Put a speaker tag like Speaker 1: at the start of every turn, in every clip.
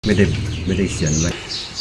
Speaker 1: ไม่ได้เขียนไว้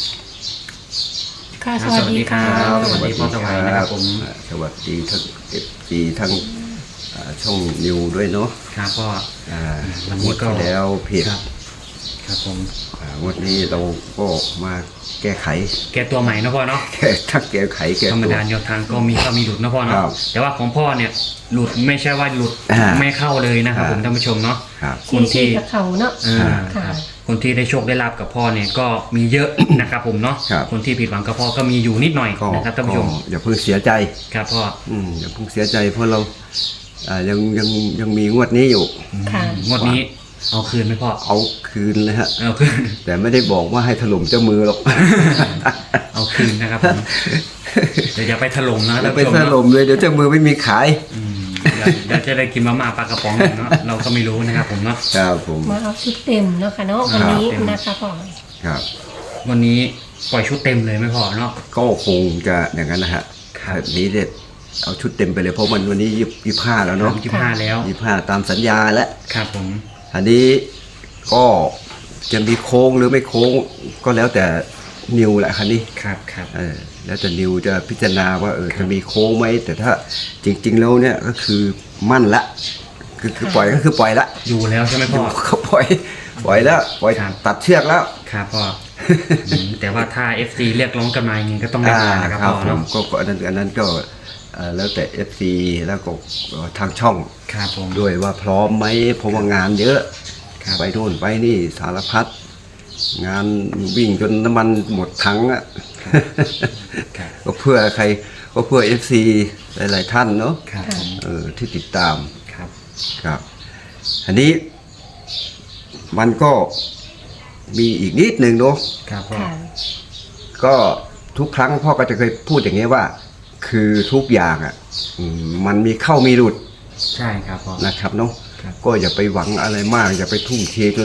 Speaker 2: ค่ะสวัสดีค่ะ
Speaker 3: สวัสดีพ่อสวัยนะครับผม
Speaker 1: สวัสดีทั้งทั้งช่องนิวด้วยเนาะ
Speaker 3: ครับพ่อ
Speaker 1: วันนี้ก็แล้วเพจ
Speaker 3: ครับผม
Speaker 1: วันนี้เราก็มาแก้ไข
Speaker 3: ตัวใหม่นะพ่อเนาะ
Speaker 1: แก้ไข
Speaker 3: ธรรมดาแนวทางก็มีเข้ามีหลุดนะพ่อเนาะแต่ว่าของพ่อเนี่ยหลุดไม่ใช่ว่าหลุดไม่เข้าเลยนะครับผมท่านผู้ชมเนาะ
Speaker 2: คนที่กับเขาเนาะ
Speaker 3: คนที่ได้โชคได้ลาบกับพ่อเนี่ยก็มีเยอะนะครับผมเนาะคนที่ผิดหวังกับพ่อก็มีอยู่นิดหน่อยนะครับท่านผู้ชม
Speaker 1: อย่าเพิ่งเสียใจ
Speaker 3: ครับพ่อ
Speaker 1: อย่าเพิ่งเสียใจเพราะเรายังมีงวดนี้อยู่
Speaker 3: งวดนี้เอาคืนไหมพ่อ
Speaker 1: เอาคืนเลยฮะ
Speaker 3: เอาคืน
Speaker 1: แต่ไม่ได้บอกว่าให้ถล่มเจ้ามือหรอก
Speaker 3: เอาคืนนะครับผมเดี๋ยวอย่าไปถล่มนะ
Speaker 1: แล้วไปถล่มเลยเดี๋ยวเจ้ามือไม่มีขาย
Speaker 3: เดี๋ยวจะได้กินมาม่าปลากระป๋องเนาะเราก็ไม่รู้นะครับผมเนาะ
Speaker 1: ครับผม
Speaker 2: มาเอาชุดเต็มเนาะค่ะเนาะวันนี้นะคะพ่อ
Speaker 1: ครับ
Speaker 3: วันนี้ปล่อยชุดเต็มเลยไหมพ่อเนาะ
Speaker 1: ก็คงจะอย่างนั้นนะฮะแบบนี้เด็ดเอาชุดเต็มไปเลยเพราะวันนี้25แล้วเนาะ
Speaker 3: 25แล้ว
Speaker 1: 25ตามสัญญาแล้ว
Speaker 3: ครับผม
Speaker 1: อันนี้ก็จะมีโค้งหรือไม่โค้งก็แล้วแต่นิวแหละคันนี้
Speaker 3: ครับ
Speaker 1: แล้วแต่นิวจะพิจารณาว่าจะมีโค้งไหมแต่ถ้าจริงๆแล้วเนี่ยก็คือมั่นละคือปล่อยก็คือปล่อยละ
Speaker 3: อยู่แล้วใช่ไหมพ่อ
Speaker 1: เขาปล่อยแล้วปล่อยตัดเชือกแล้ว
Speaker 3: ครับพ่อแต่ว่าถ้า FC เรียกร้องกันมาอย่างนี้ก็ต้องได้นะครับพ่อเนาะ
Speaker 1: ก็อันนั้นก็แล้วแต่ FC แล้วก็ทางช่องด้วยว่าพร้อมไหมเพราะว่างานเยอะไปโน่นไปนี่สารพัดงานวิ่งจนน้ำมันหมดถังอ่ะก็เพื่อใครก็เพื่อ FC หลายๆท่านเนาะที่ติดตามครับอันนี้มันก็มีอีกนิดหนึ่งเนาะก็ทุกครั้งพ่อก็จะเคยพูดอย่างนี้ว่าคือทุกอย่างอ่ะมันมีเข้ามีหลุด
Speaker 3: ใช่ครับพ่อ
Speaker 1: นะครับเนาะก็อย่าไปหวังอะไรมากอย่าไปทุ่มเทจน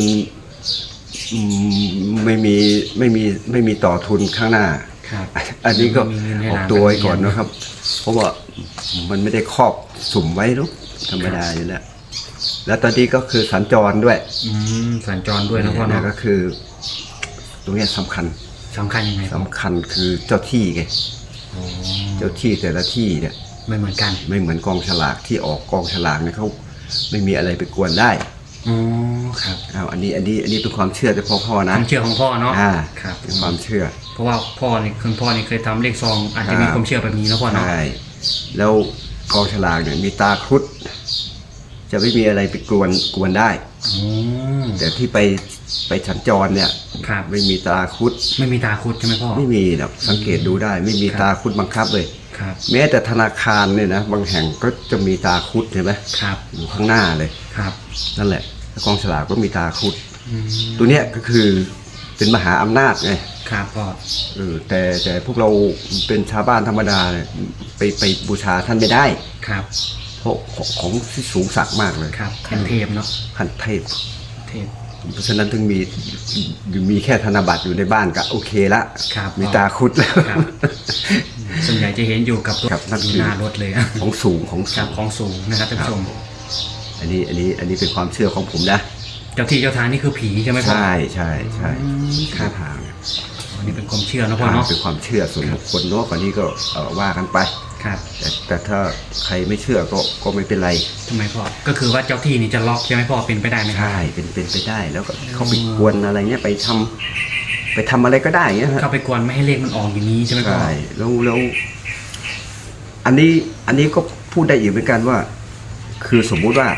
Speaker 1: ไม่มีต่อทุนข้างหน้าอันนี้ก็ออกตัวไว้ก่อนนะครับเพราะว่ามันไม่ได้ครอบสุ่มไว้หรอกธรรมดาอยู่แล้วตอนนี้ก็คือสัญจรด้วย
Speaker 3: สัญจรด้วยนะพ่อเนาะ
Speaker 1: ก็คือตรงนี้สำคัญ
Speaker 3: ยังไง
Speaker 1: สำคัญคือเจ้าที่ไงเจ้าที่แต่ละที่เนี่ย
Speaker 3: ไม่เหมือนกัน
Speaker 1: ไม่เหมือนกองฉลากที่ออกกองฉลากเนี่ยเขาไม่มีอะไรไปกวนได้
Speaker 3: ครับ
Speaker 1: อันนี้เป็นความเชื่อแต่พ่อนะ
Speaker 3: ความเชื่อของพ่อเนาะ
Speaker 1: ครับเป็นความเชื่อ
Speaker 3: เพราะว่าพ่อนี่เคยทำเลขซองอาจจะมีความเชื่อแบบนี้นะพ่อเนาะ
Speaker 1: ใช่แล้วกองฉลากเนี่ยมีตาครุฑจะไม่มีอะไรไปกวนได้แต่ที่ไปสัญจรเนี่ยไม่มีตาครุฑ
Speaker 3: ไม่มีตาครุฑใช่ไหมพ่อ
Speaker 1: ไม่มีนะสังเกตดูได้ไม่มีตาครุฑบังคับเลยแม้แต่ธนาคารเนี่ยนะบางแห่งก็จะมีตาครุฑใช่ไหมอยู่ข้างหน้าเลยนั่นแหละกองฉลากก็มีตาครุฑตัวเนี้ยก็คือเป็นมหาอำนาจไง
Speaker 3: ครับพ่อ
Speaker 1: แต่พวกเราเป็นชาวบ้านธรรมดาเนี่ยไปบูชาท่านไม่ได้เพราะของที่สูงสักมากเลย
Speaker 3: ขั้นเทพเนาะ
Speaker 1: ขั้นเทพเพราะฉะนั้นถึงมีแค่ธนบัตรอยู่ในบ้านก็โอเคละมีตาครุฑแล้ว
Speaker 3: ส่วนใหญ่จะเห็นอยู่กับหน้ารถเลย
Speaker 1: ของสูง
Speaker 3: นะครับท่านผู้ชม
Speaker 1: อันนี้เป็นความเชื่อของผมนะ
Speaker 3: เจ้าที่เจ้าทางนี่คือผีใช่ไหมพ่อ
Speaker 1: ใช่
Speaker 3: ทางอันนี้เป็นความเชื่อนะพ่อเนาะ
Speaker 1: เป็นความเชื่อส่วนบุคคลเนาะก่อนนี้ก็ว่ากันไปแต่ถ้าใครไม่เชื่อก็ไม่เป็นไร
Speaker 3: ทำไมพ่อก็คือว่าเจ้าที่นี่จะล็อกใช่ไหมพ่อเป็นไปได้ไหม
Speaker 1: ใช่เป็นไปได้แล้วก็เขาไปกวนอะไรเงี้ยไปทำอะไรก็ได้เงี้ย
Speaker 3: เขาไปกวนไม่ให้เลขมันออกอย่างนี้ใช่ไหมพ่อ
Speaker 1: ใช่แล้วอันนี้ก็พูดได้อีกเหมือนกันว่าคือสมมุติว่า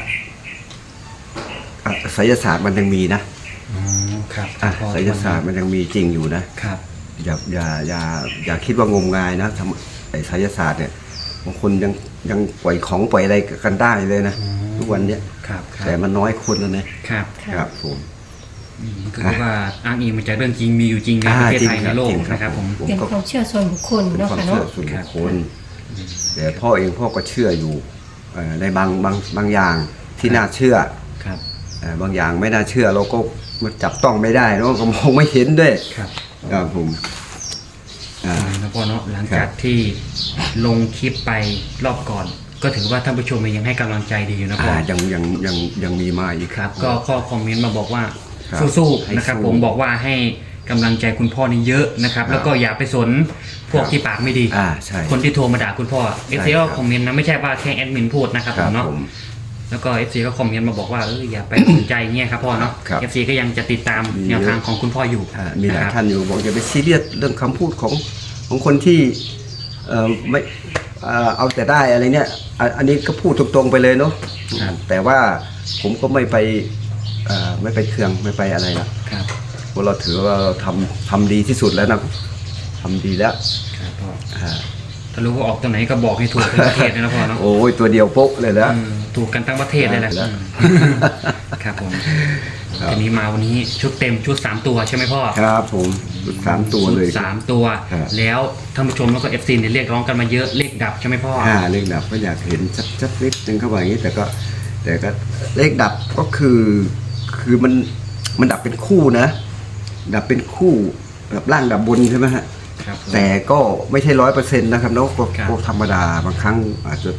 Speaker 1: ไสยศาสตร์มันยังมีนะครับไสยศาสตร์มันยังมีจริงอยู่นะครับอย่าคิดว่างมงายนะไอ้ไสยศาสตร์เนี่ยบางคนยังปล่อยของปล่อยอะไรกันได้เลยนะทุกวันเนี้ยแต่มันน้อยคนแล้วนะครับผม
Speaker 3: คือว่าอ้างอิงมาจากเรื่องจริงมีอยู่จริงในประเทศไทยในโลกนะครับผม
Speaker 2: เป็นความเชื่อส่วนบุคคลเนาะค่ะเนาะ
Speaker 1: ส่วนบุคคลแต่พ่อก็เชื่ออยู่ในบางอย่างที่น่าเชื่อบางอย่างไม่น่าเชื่อเราก็มาจับต้องไม่ได้เนาะก็มองไม่เห็นด้วยครับผม
Speaker 3: นะพ่อเนาะหลังจากที่ลงคลิปไปรอบก่อนก็ถือว่าท่านผู้ชมยังให้กำลังใจดีอยู่นะพ่อ
Speaker 1: ยังมีมาอีก
Speaker 3: ครับก็ข้อคอมเมนต์มาบอกว่า
Speaker 1: ครับ
Speaker 3: สู้
Speaker 1: ให้
Speaker 3: ๆนะครับ
Speaker 1: สู้
Speaker 3: ผมบอกว่าให้กำลังใจคุณพ่อนี่เยอะนะครับ แล้วก็อย่าไปสนพวกที่ปากไม่ดี
Speaker 1: ใช่
Speaker 3: คนที่โทรมาด่าคุณพ่อ FC
Speaker 1: ครั
Speaker 3: ก็
Speaker 1: บ
Speaker 3: คอมเมนต์นะไม่ใช่ว่าแค่แอดมินพูดนะครับ
Speaker 1: ค
Speaker 3: ผ
Speaker 1: รับ
Speaker 3: มเนาะ
Speaker 1: ผม
Speaker 3: แล้วก็ FC ก็คอมเมนต์มาบอกว่าอย่าไปสนใจเงี้ยครับพ่อเนาะ
Speaker 1: ครับ
Speaker 3: FC ก็ยังจะติดตาม
Speaker 1: มี
Speaker 3: แนวทางของคุณพ่ออยู่
Speaker 1: มีหลาย
Speaker 3: ะครับ
Speaker 1: ท่านอยู่บอกอย่าไปซีเรียสเรื่องคำพูดของคนที่ไม่เอาแต่ได้อะไรเนี่ยอันนี้ก็พูดตรงๆไปเลยเนาะ
Speaker 3: ครับ
Speaker 1: แต่ว่าผมก็ไม่ไปเคืองไม่ไปอะไรนะครับ เพราะเราถือว่าเราทำดีที่สุดแล้วนะทำดีแล้ว
Speaker 3: ครับพ่อ
Speaker 1: อ่า
Speaker 3: ถ้ารู้ว่าออกตัวไหนก็บอกให้ถูกทั้งประเทศเลยนะพ่อเนาะ
Speaker 1: โอ้ยตัวเดียวโป๊ะเลยแล้ว
Speaker 3: ถูกกันทั้งประเทศเลยแหละ
Speaker 1: แล้ว
Speaker 3: ครับผม
Speaker 1: ครับ
Speaker 3: ทีนี้มาวันนี้ชุดเต็มชุด3ตัวใช่ไหมพ่อ
Speaker 1: ครับผม3ตัวเลย
Speaker 3: ชุด3ตัว
Speaker 1: ครับ
Speaker 3: แล้วท่านผู้ชมแล้วก็FCเนี่ยเรียกร้องกันมาเยอะเลขดับใช่ไหมพ่อ
Speaker 1: เลขดับก็อยากเห็นชัดๆนิดนึงเข้าไปอย่างนี้แต่ก็เลขดับก็คือมันดับเป็นคู่นะ ดับเป็นคู่แบบล่างดับบนใช่ไหมฮะ
Speaker 3: ครับผม
Speaker 1: แต่ก็ไม่ใช่100%นะครับเนาะก็
Speaker 3: ครับ
Speaker 1: ก็ธรรมดาบางครั้งอาจจะ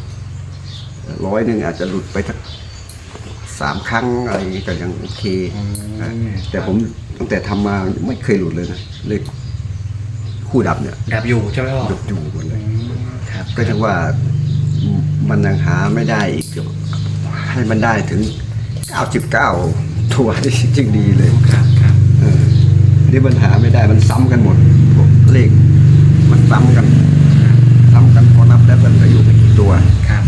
Speaker 1: 100อาจจะหลุดไปสัก3 ครั้งอะไรอย่างนี้ก็ยังโอเคนะแต่ผมตั้งแต่ทำมาไม่เคยหลุดเลยนะเลขคู่ดับเนี่ย
Speaker 3: ดับอยู่ใช่ไหมพ่อ
Speaker 1: หยุดอยู่หมดเลย
Speaker 3: ครับ
Speaker 1: ก็ถือว่ามันยังหาไม่ได้อีกให้มันได้ถึง99ตัวนี่จริงดีเลย
Speaker 3: ครับครับ
Speaker 1: นี่มันหาไม่ได้มันซ้ำกันหมดพวกเลขมันซ้ำกันพอนับแล้วมันก็อยู่ไม่กี่ตัว
Speaker 3: ครับ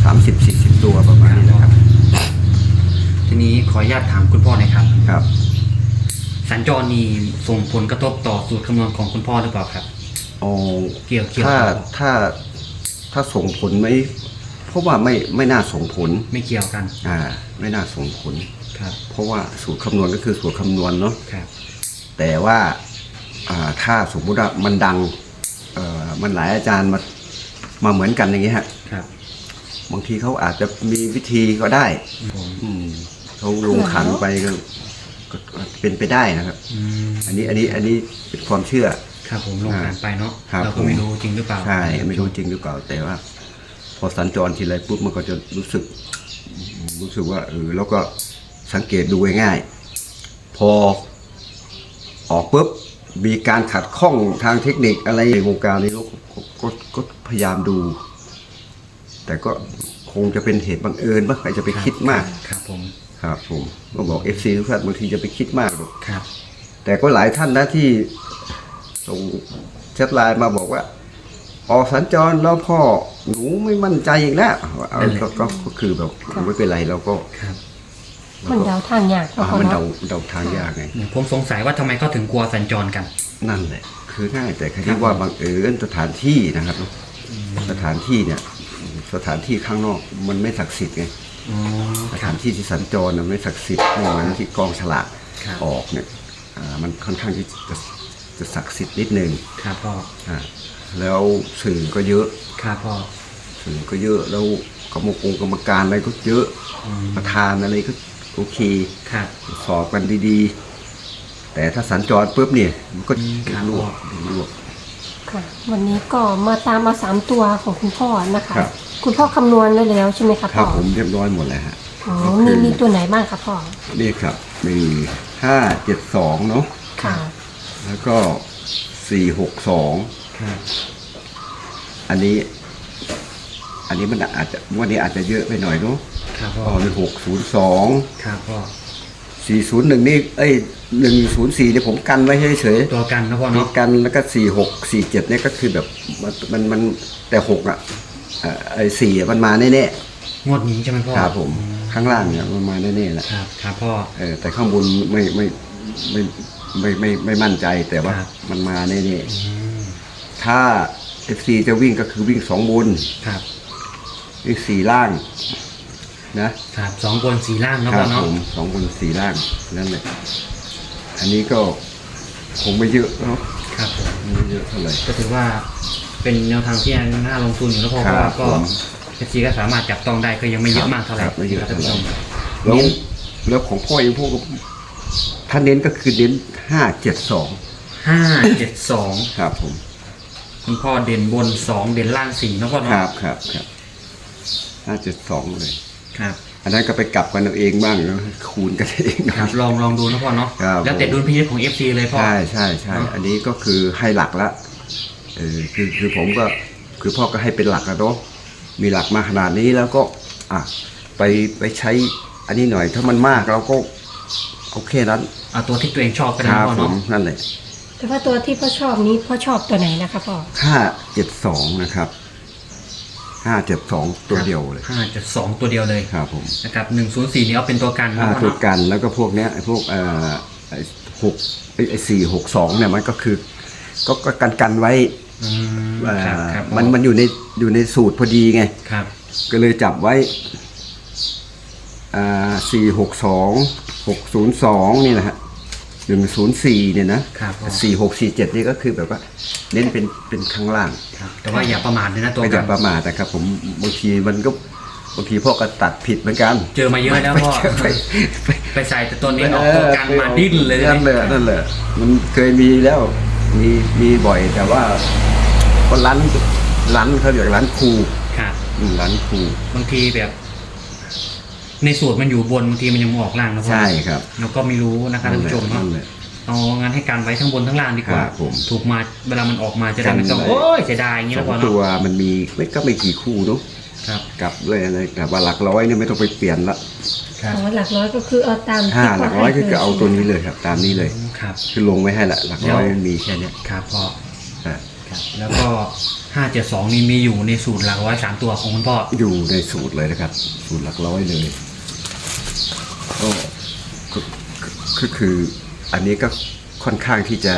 Speaker 1: 30-40 ตัวประมาณนี้นะครับ
Speaker 3: ทีนี้ขออนุญาตถามคุณพ่อหน่อยครับ
Speaker 1: ครับ
Speaker 3: สัญจรนี่ส่งผลกระทบต่อสูตรคำนวณของคุณพ่อหรือเปล่าครับ
Speaker 1: อ๋อ
Speaker 3: เกี่ยว
Speaker 1: ถ้าส่งผลไหมเพราะว่าไม่น่าส่งผล
Speaker 3: ไม่เกี่ยวกัน
Speaker 1: ไม่น่าส่งผล
Speaker 3: ครับ
Speaker 1: เพราะว่าสูตรคำนวณก็คือสูตรคำนวณเนาะ
Speaker 3: ครับ
Speaker 1: แต่ว่าถ้าสมมุติว่ามันดังมันหลายอาจารย์มาเหมือนกันอย่างนี้ฮะ
Speaker 3: ครับ
Speaker 1: บางทีเขาอาจจะมีวิธีก็ได้
Speaker 3: ผม
Speaker 1: เขาลงขันไปก็เป็นไปได้นะครับ อันนี้เป็นความเชื่อ
Speaker 3: ครับผมลงการไปเนาะ
Speaker 1: ครับ
Speaker 3: เราก็ไม่รู้จริงหรือเปล่า
Speaker 1: ใช่ไม่รู้จริงหรือเปล่า แต่ว่า พอสัญจรทีไรปุ๊บมันก็จะรู้สึกว่าแล้วก็สังเกตดูง่ายๆพอออกปุ๊บมีการขัดข้องทางเทคนิคอะไรในวงการนี้ก็พยายามดู แต่ก็คงจะเป็นเหตุบังเอิญว่าใครจะไปคิดมาก
Speaker 3: ครับผม
Speaker 1: ครับผมก็บอก FC ทุกท่านบางทีจะไปคิดมากหรอก
Speaker 3: ครับ
Speaker 1: แต่ก็หลายท่านนะที่ส่งแชทไลน์มาบอกว่าออกสัญจรแล้วพ่อหนูไม่มั่นใจอีกแล้วก็คือแบบไม่เป็นไรเราก็
Speaker 3: ครับ
Speaker 2: มันเดาทางยากเนาะพ่อ
Speaker 1: มัน
Speaker 2: เนาะ
Speaker 1: เดาทางยากไง
Speaker 3: ผมสงสัยว่าทำไมเขาถึงกลัวสัญจรกัน
Speaker 1: นั่นแหละคือง่ายแต่คดีว่าบังเอิญสถานที่นะครับสถานที่เนี่ยสถานที่ข้างนอกมันไม่ศักดิ์สิทธิ์ไง
Speaker 3: อ๋อ
Speaker 1: ส
Speaker 3: ครั
Speaker 1: ถา
Speaker 3: บ
Speaker 1: นที่ที่สัญจรน่ะไม่ศักดิ์สิทธิ์ไม่เหมือนที่กองฉลาก
Speaker 3: ครับ
Speaker 1: ออกเนี่ยมันค่อนข้างที่จะศักดิ์สิทธิ์นิดนึง
Speaker 3: ครับพ่อ
Speaker 1: แล้วสื่อก็เยอะ
Speaker 3: ครับพ่อ
Speaker 1: สื่อก็เยอะแล้วกรรมการอะไรก็เยอะประธานอะไรก็โอเค
Speaker 3: ครับ
Speaker 1: สอบกันดีๆ แต่ถ้าสัญจรปุ๊บเนี่ยมันก็
Speaker 3: ครับ
Speaker 1: ลวก
Speaker 2: ค่ะ วันนี้ก็มาตามมา3ตัวของคุณพ่อนะคะ
Speaker 1: ครับ
Speaker 2: คุณพ่อคำนวณไว้แล้วใช่ไหมคะ
Speaker 1: ครั
Speaker 2: พ่
Speaker 1: บ
Speaker 2: อ
Speaker 1: ผมเรียบร้อยหมดแล้วฮะ
Speaker 2: อ๋อมีตัวไหนบ้างคะพ่อ
Speaker 1: นี่ครับมี572เนาะ
Speaker 2: ค่ะ
Speaker 1: แล้วก็462
Speaker 3: ครับ
Speaker 1: อันนี้มันอาจจะวันนี้อาจจะเยอะไปหน่อยเนาะ
Speaker 3: ครับพ่อ
Speaker 1: อ๋อมี602
Speaker 3: ครับพ่อ
Speaker 1: 401นี่104เนี่ยผมกันไว้เฉยๆ
Speaker 3: ตัวกันนะพ่อ
Speaker 1: มี
Speaker 3: เนาะ
Speaker 1: กันแล้วก็4647เนี่ยก็คือแบบมันแต่6ไอ้4มันมาแน่
Speaker 3: งวดนี้ใช่ไหมพ่อ
Speaker 1: ๆครับผมข้างล่างเนี่ยมันมาแน่ๆแหละ
Speaker 3: ครับครับพ่อ
Speaker 1: แต่ข้างบนไม่มั่นใจแต่ว่า
Speaker 3: ครับ
Speaker 1: มันมาแน่ๆถ้า FC จะวิ่งก็คือวิ่ง2บน
Speaker 3: ครับ
Speaker 1: วิ่ง4ล่างนะครับ
Speaker 3: 2 บน 4 ล่างนะ
Speaker 1: ค
Speaker 3: พ่
Speaker 1: รั
Speaker 3: อบเนาะ
Speaker 1: ผม2บน4ล่างนั่นแหละอันนี้ก็คงไม่เยอะเนาะ
Speaker 3: ครับผม
Speaker 1: ไม่เยอะเท่าไหร่
Speaker 3: ก็ถือว่าเป็นแนวทางที่น่าลงทุนอยู่แล้วพ่อเพ
Speaker 1: ครั
Speaker 3: ราะ
Speaker 1: บ
Speaker 3: ว่าก็
Speaker 1: ผม
Speaker 3: เอฟซีก็สามารถจับต้องได้ก็ยังไม่เยอะมากเท่าไหร่
Speaker 1: ครับไม่เยอะ
Speaker 3: ท่าน
Speaker 1: เท่าไห
Speaker 3: ผู้
Speaker 1: ร่
Speaker 3: ชม
Speaker 1: แล้วของพ่อเองพวกถ้าเน้นก็คือเน้น572
Speaker 3: 572
Speaker 1: ครับผม
Speaker 3: คุณพ่อเด่นบน 2 เด่นล่าง4นะพ่อ
Speaker 1: ค
Speaker 3: เนาะ
Speaker 1: รับ572เลย
Speaker 3: ครับ
Speaker 1: อันนั้นก็ไปกลับกันเอาเองบ้างคูณกันเอง
Speaker 3: ครับลองดูนะพ่อเนาะ
Speaker 1: ครับ
Speaker 3: แล้วแต่ดุลพินิจของ FC เลยพ่อ
Speaker 1: ใช่ใช่ใช่
Speaker 3: เนอะ
Speaker 1: อันนี้ก็คือให้หลักละคือผมก็คือพ่อก็ให้เป็นหลักแล้วเนาะมีหลักมาขนาดนี้แล้วก็ไปใช้อันนี้หน่อยถ้ามันมากเราก็โอเคนั้น
Speaker 3: เอาตัวที่ตัวเองชอบก็
Speaker 1: ค
Speaker 3: ได้
Speaker 1: รับ
Speaker 3: พ่อ
Speaker 1: ผ
Speaker 3: เนาะ
Speaker 1: มนั่นแหละ
Speaker 2: แต่ว่าตัวที่พ่อชอบนี้พ่อชอบตัวไหนนะคะพ่อ
Speaker 1: 572นะครับ572ตัวเดียวเลย
Speaker 3: 5.2 ตัวเดียวเลย
Speaker 1: ครับผม
Speaker 3: นะครับ104นี่เอาเป็นตัวกันนะพ่อ
Speaker 1: ถูก
Speaker 3: เนาะ
Speaker 1: กันแล้วก็พวกเนี้ยไอ้พวก462เนี่ยมันก็คือก็กันไว้
Speaker 3: อืมครับ
Speaker 1: มันอยู่ในสูตรพอดีไง
Speaker 3: ครับ
Speaker 1: ก็เลยจับไว้462 602นี่นะฮะ104เนี่ยนะครับ 4647นี่ก็คือแบบว่าเน้นเป็นข้างล่าง
Speaker 3: ครับแต่ว่าอย่าประมาทเลยนะตัว
Speaker 1: ไม่อ
Speaker 3: กั
Speaker 1: ย่าน ประมาทนะครับผมบางทีพ่อก็ตัดผิดเหมือนกัน
Speaker 3: เจอมาเยอะแล้วพ่อ ไปใส่แต่ตัวนี้ออกตัวกันมาดิ้นเลย
Speaker 1: นั่นแหละมันเคยมีแล้วมีบ่อยแต่ว่าก็ร้านเขาเรียกร้านครู
Speaker 3: ครับ
Speaker 1: ร้านครู
Speaker 3: บางทีแบบ ในสูตรมันอยู่บนบางทีมันยังออกล่างนะพ่อ
Speaker 1: ใช่ครับ
Speaker 3: เราก็ไม่รู้นะครับท่านผู้ชมเนาะ
Speaker 1: นั่นแหละ
Speaker 3: เอางั้นให้การไว้ทั้งบนทั้งล่างดีกว่า
Speaker 1: ครับผม
Speaker 3: ถูกมาเวลามันออกมาจะได้ไม่ต้อง
Speaker 1: กันไว้
Speaker 3: โอ้ยเสียดายอย่างเงี้ย
Speaker 1: สอ
Speaker 3: นะ
Speaker 1: ง
Speaker 3: พ่อ
Speaker 1: ตั
Speaker 3: เนาะ
Speaker 1: วมันมีไม่กี่คู่เนาะ
Speaker 3: ครับ
Speaker 1: กลับด้วยอะไรแต่ว่าหลักร้อยเนี่ยไม่ต้องไปเปลี่ยนละ
Speaker 3: ครับ
Speaker 2: อ๋อหลักร้อยก็คือเอาตามที่
Speaker 1: หลักร้อยก็เอาตัวนี้เลยครับ ตามนี้เลย
Speaker 3: ครับ
Speaker 1: คือลงไม่ให้ละหลักร้อยมันมีแค่เนี้ย
Speaker 3: ครับพ่อ
Speaker 1: อ่ะ
Speaker 3: ครับแล้วก็572นี่มีอยู่ในสูตรหลักร้อย3ตัวของคุณพ่อ
Speaker 1: อยู่ในสูตรเลยนะครับ สูตรหลักร้อยเลยก็คืออันนี้ก็ค่อนข้างที่จะ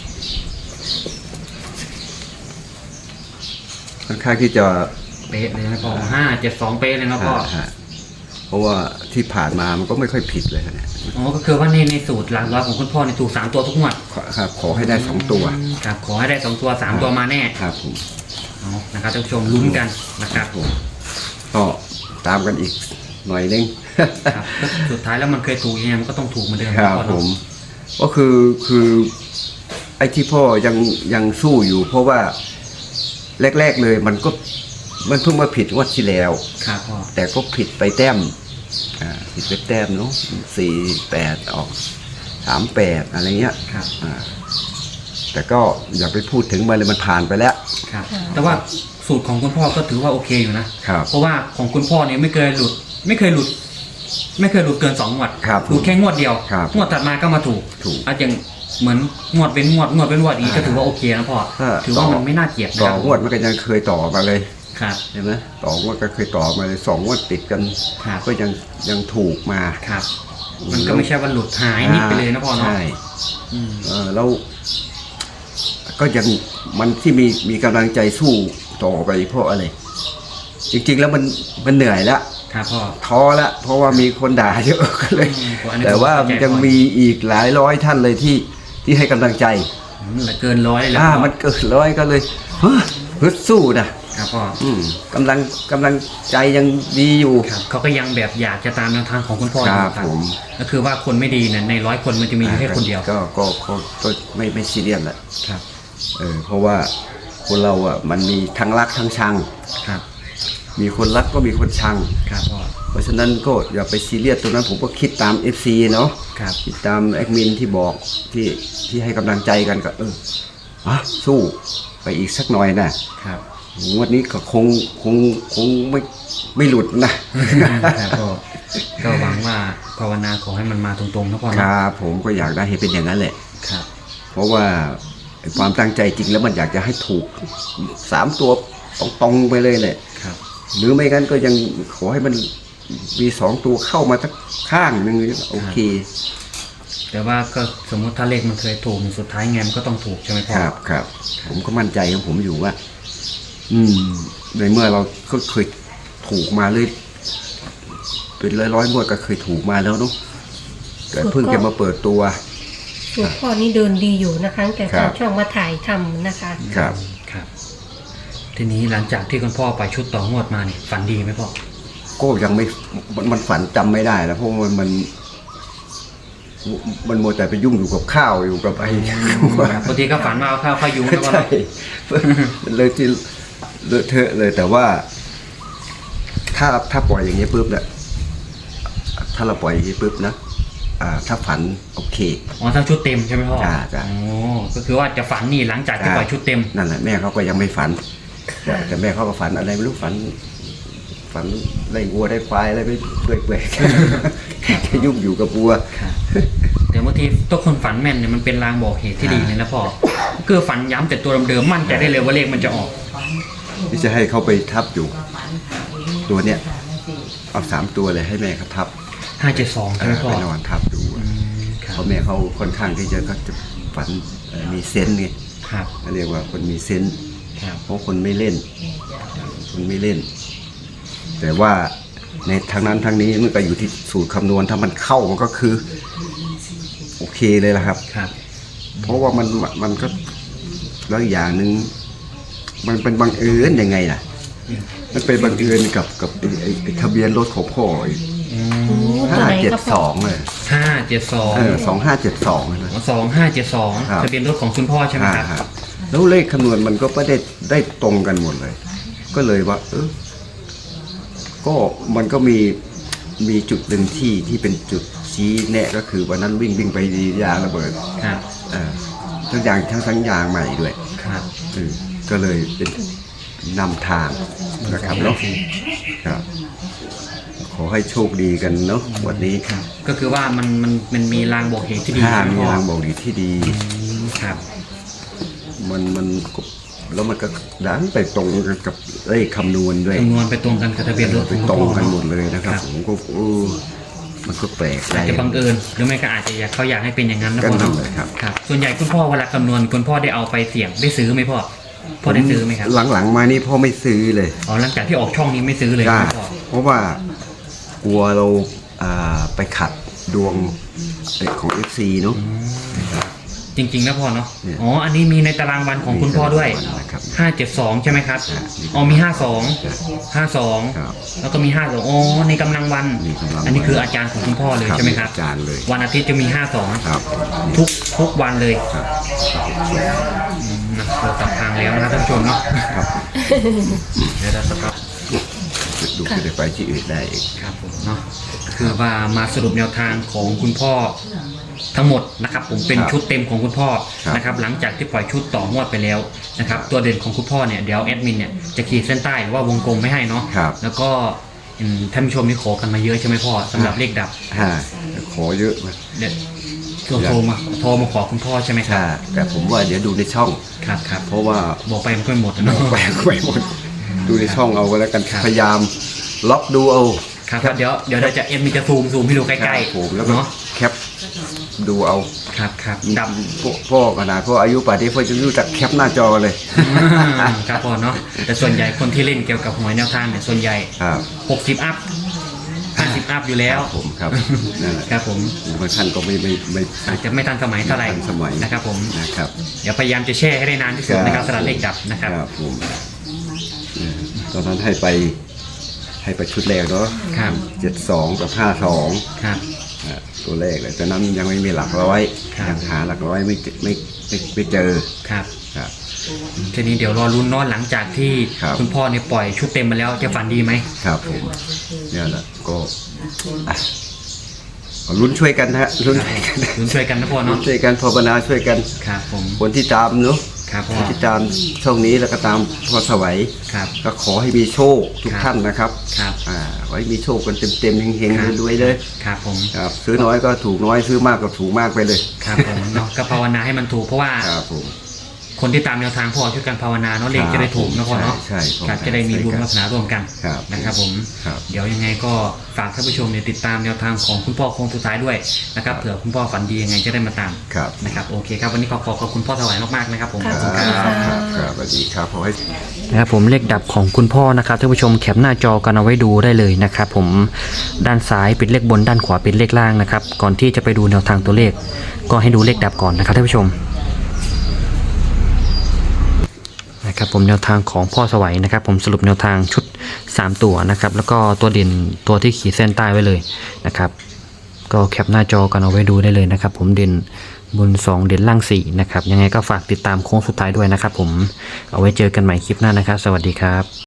Speaker 3: เป๊ะเลยนะพ่อ572เป๊ะเลยนะพ่อ
Speaker 1: ฮะเพราะว่าที่ผ่านมามันก็ไม่ค่อยผิดเลยเนี่ย
Speaker 3: อ๋อก็คือว่าในสูตรหลักร้อยของคุณพ่อในถูก3ตัวทุกงวด
Speaker 1: ครับขอให้ได้2ตัว
Speaker 3: ครับขอให้ได้2ตัว3ตัวมาแน่
Speaker 1: ครับผม
Speaker 3: เอานะครับท่านผู้ชมลุ้นกันนะครับ
Speaker 1: ผมก็ตามกันอีกหน่อยนึง
Speaker 3: ครับก็สุดท้ายแล้วมันเคยถูกยังไงมันก็ต้องถูกเหมือนเดิม
Speaker 1: ครับ
Speaker 3: พ่อ
Speaker 1: ผ
Speaker 3: เนาะ
Speaker 1: มก็คือไอ้ที่พ่อยังสู้อยู่ เพราะว่าแรกๆเลยมันเพิ่งมาผิดงวดที่แล้ว
Speaker 3: ครับพ่อ
Speaker 1: แต่ก็ผิดไปแต้มผิดไปแต้มเนาะ48ออก38อะไรเงี้ย
Speaker 3: ครับ
Speaker 1: แต่ก็อย่าไปพูดถึงมันเลยมันผ่านไปแล้ว
Speaker 3: ครับแต่ว่าสูตรของคุณพ่อก็ถือว่าโอเคอยู่นะ
Speaker 1: ครับ
Speaker 3: เพราะว่าของคุณพ่อเนี่ยไม่เคยหลุดเกิน2งวด
Speaker 1: ครับ
Speaker 3: หลุดแค่งวดเดียว
Speaker 1: ครับ
Speaker 3: งวดถัดมาก็มาถูก
Speaker 1: ถูก
Speaker 3: อย่างเหมือนงวดเป็นงวดเป็นงวดอีกก็ถือว่าโอเคนะพ่อ
Speaker 1: ถ้า
Speaker 3: ถือว่ามันไม่น่าเกลียดนะ
Speaker 1: ต่
Speaker 3: ค
Speaker 1: อ
Speaker 3: รับ
Speaker 1: งวดมันก็ยังเคยต่อมาเลย
Speaker 3: ครับ
Speaker 1: เห็นไหมต่องวดก็เคยต่อมาเลย2งวดติดกัน
Speaker 3: ครับ
Speaker 1: ก็ยังถูกมา
Speaker 3: ครับ มันก็ไม่ใช่ว่าหลุดหายนิดไปเลยนะพ่อเนาะ
Speaker 1: ใช่
Speaker 3: อืม
Speaker 1: แล้วก็ยังมันที่มีกำลังใจสู้ต่อไปเพราะอะไร จริงๆแล้วมันเหนื่อยแล้ว
Speaker 3: ครับพ่อ
Speaker 1: ท้อแล้วเพราะว่ามีคนด่าเยอะก็เลย
Speaker 3: อันนี้
Speaker 1: แต่ว่ามันยังมีอีกหลายร้อยท่านเลยที่ให้กำลังใจ
Speaker 3: เกิน100เลยแล้วพ่อ
Speaker 1: มันเกิดร้อยก็เลยฮึดสู้นะครับ
Speaker 3: พ่อ
Speaker 1: กำลังใจยังดีอยู่
Speaker 3: ครับเขาก็ยังแบบอยากจะตามแนวทางของคุณพ่ออยู่
Speaker 1: ครับผม
Speaker 3: ก็คือว่าคนไม่ดีเนี่ยใน100 คนมันจะมีอยู่แค่คนเดียว
Speaker 1: ก็ไม่ซีเรียสแหละ
Speaker 3: ครับ
Speaker 1: เพราะว่าคนเราอ่ะมันมีทั้งรักทั้งชัง
Speaker 3: ครับ
Speaker 1: มีคนรักก็มีคนชัง
Speaker 3: ครับพ่อ
Speaker 1: เพราะฉะนั้นก็อย่าไปซีเรียสตรงนั้นผมก็คิดตาม FC เนาะ
Speaker 3: ครับ
Speaker 1: คิดตามแอดมินที่บอกที่ให้กำลังใจกันก็สู้ไปอีกสักหน่อยนะครับ งวดนี้ก็คงไม่หลุดนะ
Speaker 3: ครับพ่อก็หวังว่าภาวนาขอให้มันมาตรงๆนะพ่อ
Speaker 1: ค
Speaker 3: เนาะ
Speaker 1: รับผมก็อยากได้ให้เป็นอย่างนั้นแหละ
Speaker 3: ครับ
Speaker 1: เพราะว่าไอ้ความตั้งใจจริงแล้วมันอยากจะให้ถูก3ตัวตรงๆไปเลยแหละ
Speaker 3: ครับ
Speaker 1: หรือไม่งั้นก็ยังขอให้มันมี2ตัวเข้ามาสักข้างหนึ่งโอเค
Speaker 3: แต่ว่าก็สมมติถ้าเลขมันเคยถูกสุดท้ายไงมันก็ต้องถูกใช่ไหมพ่อ
Speaker 1: ครับผมก็มั่นใจของผมอยู่ว่า ในเมื่อเราก็เคยถูกมาเลยเป็นร้อยงวดก็เคยถูกมาแล้วเนาะแต่เพิ่งจะมาเปิดตัว
Speaker 2: สูตรพ่อนี่เดินดีอยู่นะคะตั้งแต่
Speaker 1: ครั
Speaker 2: ทา
Speaker 1: บ
Speaker 2: งช่องมาถ่ายทำนะคะ
Speaker 1: ครับ
Speaker 3: ครับ ทีนี้หลังจากที่คุณพ่อไปชุดต่องวดมาเนี่ยฝันดีไหมพ่อ
Speaker 1: ก็ยังไม่มันฝันจำไม่ได้แล้วเพราะมันมัวแต่ไปยุ่งอยู่กับข้าวอยู่กับไอ้
Speaker 3: บางทีก็ฝันว่าเอาข้าวเข้ายุงนะพ่อ
Speaker 1: ใช่
Speaker 3: เนาะ
Speaker 1: เลยที่เลอะเทอะเลยแต่ว่า ถ้าปล่อยอย่างนี้ปุ๊บเนี่ยถ้าเราปล่อยอย่างนี้ปุ๊บนะถ้าฝันโอเค
Speaker 3: อ๋อถ้าชุดเต็มใช่ไหมพ่อ
Speaker 1: จ้ะ
Speaker 3: อ๋อก็คือว่าจะฝันนี่หลังจากที่ปล่อยชุดเต็ม
Speaker 1: นั่นแหละแม่เขาก็ยังไม่ฝัน แต่แม่เขาก็ฝันอะไรไม่รู้ฝันได้วัวได้ควายอะไรไปเปื่อยๆจะยุ่งอยู่กับวัว
Speaker 3: แต่บางทีตัวคนฝันแม่นเนี่ยมันเป็นลางบอกเหตุที่ดีเลยนะพ่อคือฝันย้ำแต่ตัวเดิมๆมั่นใจได้เลยว่าเลขมันจะออก
Speaker 1: ที่จะให้เขาไปทับอยู่ตัวเนี้ยเอา3 ตัวเลยให้แม่เขาทับ
Speaker 3: 572ใช่ไหมพ่อ
Speaker 1: ไปนอนทับดู
Speaker 3: ครับ
Speaker 1: เพราะแม่เขาค่อนข้างที่จะเขาจะฝันมีเซนส์ไง
Speaker 3: ครับ
Speaker 1: เขาเรียกว่าคนมีเซนส์
Speaker 3: ครับ
Speaker 1: เพราะคนไม่เล่น แต่ว่าในทางนั้นทางนี้มันก็อยู่ที่สูตรคำนวณถ้ามันเข้ามันก็คือโอเคเลยละครับ
Speaker 3: ครับ
Speaker 1: เพราะว่ามันก็แล้วอย่างหนึ่งมันเป็นบังเอิญยังไงล่ะ มันเป็นบังเอิญกับไอ้ทะเบียนรถของพ่ออีก
Speaker 2: ตัวไหนครับพ่อ
Speaker 1: 572เลย
Speaker 3: 572
Speaker 1: 2572เลยนะ
Speaker 3: 2572ทะเบียนรถของคุณพ่อใช่ไหมครับ
Speaker 1: แล้วเลขคำนวณมันก็ไม่ได้ตรงกันหมดเลย ก็เลยว่าก็มันก็มีจุดหนึ่งที่เป็นจุดชี้แนะก็คือวันนั้นวิ่งไปดียางระเบิด
Speaker 3: ครับ
Speaker 1: ทั้งยางใหม่ด้วย
Speaker 3: ครับ
Speaker 1: ก็เลยเป็นนำทางนะครับเนาะครับขอให้โชคดีกันเนาะวันนี้
Speaker 3: ก็คือว่ามันมีลางบอกเหตุที่ดี
Speaker 1: ถ้า
Speaker 3: ใช่ไหม
Speaker 1: มี
Speaker 3: พ่อ
Speaker 1: รางบอกดีที่ดี
Speaker 3: ครับ
Speaker 1: มันแล้วมันก็ดันไปตรงกันกับเลขคำนวณด้วย
Speaker 3: จำนวนไปตรงกันกับทะเบียนรถข
Speaker 1: ไป
Speaker 3: องคุณ
Speaker 1: ตรง
Speaker 3: พ่อ
Speaker 1: กันหมดเลยนะครับ
Speaker 3: ครับ
Speaker 1: ผมก็มันก็แปลกใจ
Speaker 3: อาจจะบังเอิญหรือไม่ก็อาจจะเขาอยากให้เป็นอย่างนั้นนะ
Speaker 1: ก็
Speaker 3: พ่อ
Speaker 1: นั่
Speaker 3: เนาะ
Speaker 1: นเลยครับ
Speaker 3: ครับส่วนใหญ่คุณพ่อเวลาคำนวณคุณพ่อได้เอาไปเสี่ยงได้ซื้อไหมพ่อได้ซื้อไหมครับ
Speaker 1: หลังๆมานี่พ่อไม่ซื้อเลย
Speaker 3: อ๋อหลังจากที่ออกช่องนี้ไม่ซื้อเลย
Speaker 1: จ้า
Speaker 3: ใช่ไหมพ่อ
Speaker 1: เพราะว่ากลัวเราไปขัดดวงของ FC เนาะ
Speaker 3: จริงๆนะพ่อเนาะ
Speaker 1: เนี่ย
Speaker 3: อ๋ออันนี้มีในตารางวันของคุณพ่อด้วย
Speaker 1: นะครับ
Speaker 3: 572ใช่ไหมครับ
Speaker 1: ครับ
Speaker 3: อ๋อมี52
Speaker 1: ครับ
Speaker 3: แล้วก็มี52อ๋อในกำลังวัน
Speaker 1: มีกำลังวัน
Speaker 3: อันนี้คืออาจารย์ของคุณพ่อเลยใช่ไหมครับ
Speaker 1: อาจารย์เลย
Speaker 3: วันอาทิตย์จะมี
Speaker 1: ครับ
Speaker 3: 52ทุกวันเลย
Speaker 1: ครับ
Speaker 3: นะเราตัดทางแล้วนะครับท่านผู้ชมเนาะ
Speaker 1: ครับ
Speaker 3: เดี๋ยวเราจะครับ
Speaker 1: ดูจะได้ไปที่อื่นได้อีก
Speaker 3: ครับผมเนาะคือว่ามาสรุปแนวทางของคุณพ่อทั้งหมดนะครับผมเป็น
Speaker 1: ครับ
Speaker 3: ชุดเต็มของคุณพ่อ
Speaker 1: ครับ
Speaker 3: นะครับหลังจากที่ปล่อยชุดต่องวดไปแล้วนะครับตัวเด่นของคุณพ่อเนี่ยเดี๋ยวแอดมินเนี่ยจะขีดเส้นใต้หรือว่าวงกลมไม่ให้เนาะ
Speaker 1: ครับ
Speaker 3: แล้วก็ท่านผู้ชมนี่ขอกันมาเยอะใช่ไหมพ่อสำหรับเลขดับ
Speaker 1: ขอเยอะมา
Speaker 3: เดี๋ยวโทรมาขอคุณพ่อใช่ไหมครับ
Speaker 1: แต่ผมว่าเดี๋ยวดูในช่อง
Speaker 3: ครับครับ
Speaker 1: เพราะว่า
Speaker 3: บอกไปมันก็ไม่หมดนะเนาะ
Speaker 1: แปลกไปหมด ดูในช่องเอาก็แล้วกัน
Speaker 3: ครับ
Speaker 1: พยายามล็อกดูเอา
Speaker 3: ครับเดี๋ยวเราจะเอ็มมีจะซูมให้ดูใกล้
Speaker 1: ครับผมแล้ว
Speaker 3: ๆ
Speaker 1: ก็
Speaker 3: เนาะ
Speaker 1: แคปดูเอา
Speaker 3: ครับดับ
Speaker 1: พ่อขนาดพ่ออายุป่านนี้พ่อจะรู้จักแคปหน้าจอเลย
Speaker 3: ครับพ่อเนาะแต่ส่วนใหญ่คนที่เล่นเกี่ยวกับหวยแนวทางเนี่ยส่วนใหญ่
Speaker 1: ครับ
Speaker 3: 60 อัพ 50 อัพอยู่แล้ว
Speaker 1: ผมครับนั่นแหละ
Speaker 3: ครับผม
Speaker 1: บางท่านก็ไม่
Speaker 3: อาจจะไม่ทันสมัยเท่าไหร่
Speaker 1: ทันสมัย
Speaker 3: นะครับผม
Speaker 1: นะครับ
Speaker 3: เดี๋ยวพยายามจะแช่ให้ได้นานที่สุดนะครับ
Speaker 1: ครับ
Speaker 3: สำหรับเลขดับนะครับ
Speaker 1: ครับผมตอนนั้นให้ไปชุดแรกเนาะ
Speaker 3: ครับ
Speaker 1: 72 กับ 52
Speaker 3: ครับ
Speaker 1: ตัวแรกเลยตอนนั้นยังไม่มีหลักร้อย
Speaker 3: ครับ
Speaker 1: ยังหาหลักร้อยไม่เจอ
Speaker 3: ครับ
Speaker 1: ครับ
Speaker 3: ทีนี้เดี๋ยวรอลุ้นเนอนหลังจากที่
Speaker 1: ครับ
Speaker 3: คุณพ่อเนี่ยปล่อยชุดเต็มมาแล้วจะฝันดีไหม
Speaker 1: ครับผมเนี่ยแหละก็อ่ะก็ลุ้นช่วยกันนะฮะลุ้นช่วยกัน
Speaker 3: ลุ้นช่วยกันนะพ่อ
Speaker 1: ลุ้
Speaker 3: เนาะ
Speaker 1: นช่วยกันภาวนาช่วยกัน
Speaker 3: ครับผม
Speaker 1: คนที่ตามเนาะ
Speaker 3: ครับพ่อ
Speaker 1: คนที่ตามช่องนี้แล้วก็ตามพอสวัย
Speaker 3: ครับ
Speaker 1: ก็ขอให้มีโชคทุก
Speaker 3: ครับ
Speaker 1: ท่านนะครับ
Speaker 3: ครับ
Speaker 1: ขอให้มีโชคกันเต็มๆเฮง
Speaker 3: ครับ
Speaker 1: ๆรวยๆเลย
Speaker 3: ครับผม
Speaker 1: ครับซื้อน้อยก็ถูกน้อยซื้อมากก็ถูกมากไปเลย
Speaker 3: ครับผมเนาะก็ภาวนาให้มันถูกเพราะว่า
Speaker 1: ครับผม
Speaker 3: คนที่ตามแนวทางพ่อช่วยกันภาวนาเนาะเลขจะได้ถูกนะพ่อเนาะ
Speaker 1: ใช่ใช่
Speaker 3: ครับจะได้มีบุญวาสนาร่วมกัน
Speaker 1: ครับ
Speaker 3: นะครับผม
Speaker 1: ครับ
Speaker 3: เดี๋ยวยังไงก็ฝากท่านผู้ชมเนี่ยติดตามแนวทางของคุณพ่อโค้งสุดท้ายด้วยนะครับเผื่อคุณพ่อฝันดียังไงจะได้มาตาม
Speaker 1: ครับ
Speaker 3: นะครับโอเคครับวันนี้ขอบคุณพ่อถวายมากๆนะครับผม
Speaker 2: ครับ
Speaker 3: ขอบคุณ
Speaker 2: ขอบ
Speaker 3: ค
Speaker 2: คุ
Speaker 3: รั
Speaker 2: ณ
Speaker 3: บ
Speaker 2: ค่ะ
Speaker 1: ครับสวัสดีครับขอให้
Speaker 3: นะครับผมเลขดับของคุณพ่อนะครับท่านผู้ชมแคปหน้าจอกันเอาไว้ดูได้เลยนะครับผมด้านซ้ายเป็นเลขบนด้านขวาเป็นเลขล่างนะครับก่อนที่จะไปดูแนวทางตัวเลข ก็ให้ดูเลขดับก่อนนะครับท่านผู้ชมนะครับผมแนวทางของพ่อสวัยนะครับผมสรุปแนวทางชุด3ตัวนะครับแล้วก็ตัวเด่นตัวที่ขีดเส้นใต้ไว้เลยนะครับก็แคปหน้าจอกันเอาไว้ดูได้เลยนะครับผมเด่นบน2เด่นล่าง4นะครับยังไงก็ฝากติดตามโค้งสุดท้ายด้วยนะครับผมเอาไว้เจอกันใหม่คลิปหน้านะครับสวัสดีครับ